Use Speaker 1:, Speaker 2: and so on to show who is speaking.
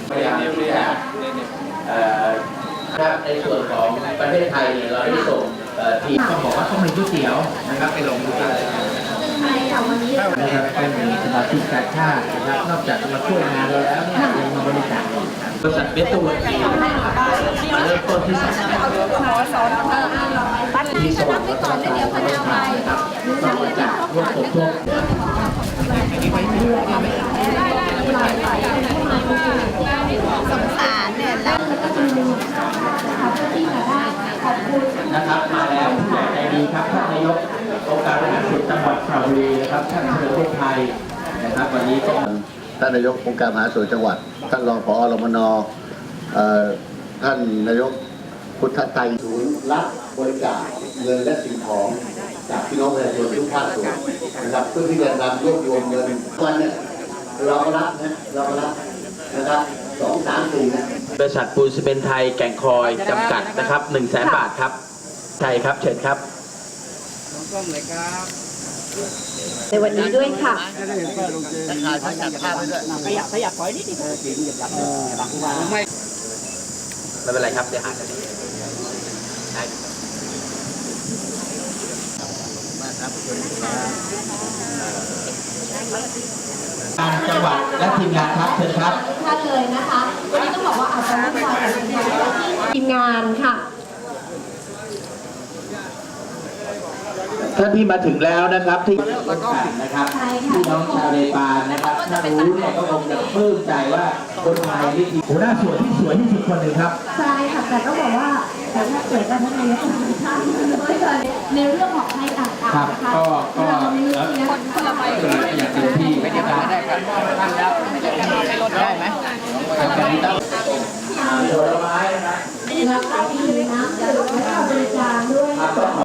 Speaker 1: พยายามที่จะครับในส่วนของประเทศไทยเนี่ยเราได้ส่งทีมต้องบอกว่าต้องมีก๋วยเตี๋ยวนะครับไปลงทุนนะครับเป็นสมาชิกการชาตินะครับนอกจากจะมาช่วยงานเราแล้วเนี่ยยังมาบริจาคบริษัทเบสตูนเริ่มต้นที่ที่สวัสดิ์รัตนการบริษัทนะครับต้องบริจาคร่วมสมทบ
Speaker 2: สงสารเนี่ยแล้ว
Speaker 1: นะครับมาแล้วผู้ใหญ่ใจดีครับท่านนายกองค์การบริหารส่วนจังหวัดสระบุรีนะครับท่านเฉลิมพลไทยนะครับวันนี้ก็
Speaker 3: ท่านนายกองค์การบริหารส่วนจังหวัดท่านรองผอ.รมน.ท่านนายกพุทธไตรศูนย์รับบริจาคเงินและสิ่งของจากพี่น้องประชาชนทุกภาคส่วนนะครับเพื่อที่จะนำรวบรวมเงินวันเนี่ยเราก็รับนะครับ2, 3, 4นะ
Speaker 1: บริษัทปูนซีเมนต์ไทยแก่งคอยจำกัดนะครับ100,000 บาทครับใช่ครับเชิญครับ
Speaker 2: ในวันนี้ด้วยค่ะ
Speaker 1: ไม่เป็นไรครับเดี๋ยวหากันจังหวัดและทีมงานครับเชิญครับ
Speaker 2: ท่านเลยนะคะวันนี้ต้องบอกว่าอาจจะวุ่นวายกับทีมงานค่ะ
Speaker 1: ท่านที่มาถึงแล้วนะครับที่นะครับพี่น้องชาวเนปาลนะครับถ้ารู้เนี่ยก็คงจะปลื้มใจว่าคนไทยนี่คือหัวหน้าส่วนที่สวยที่สุดคนหนึ่งครับ
Speaker 2: ใช่ค่ะแต่ต้องบอกว่าแต่ถ้าเกิดการทำงานในเรื่องของให้ต่างๆนะคะ
Speaker 1: ก็
Speaker 2: คนละไป
Speaker 1: อย่างเต็มที่ไม่ได้ได้ครับท่านแล้วได้ไหมผลไม้นะครับ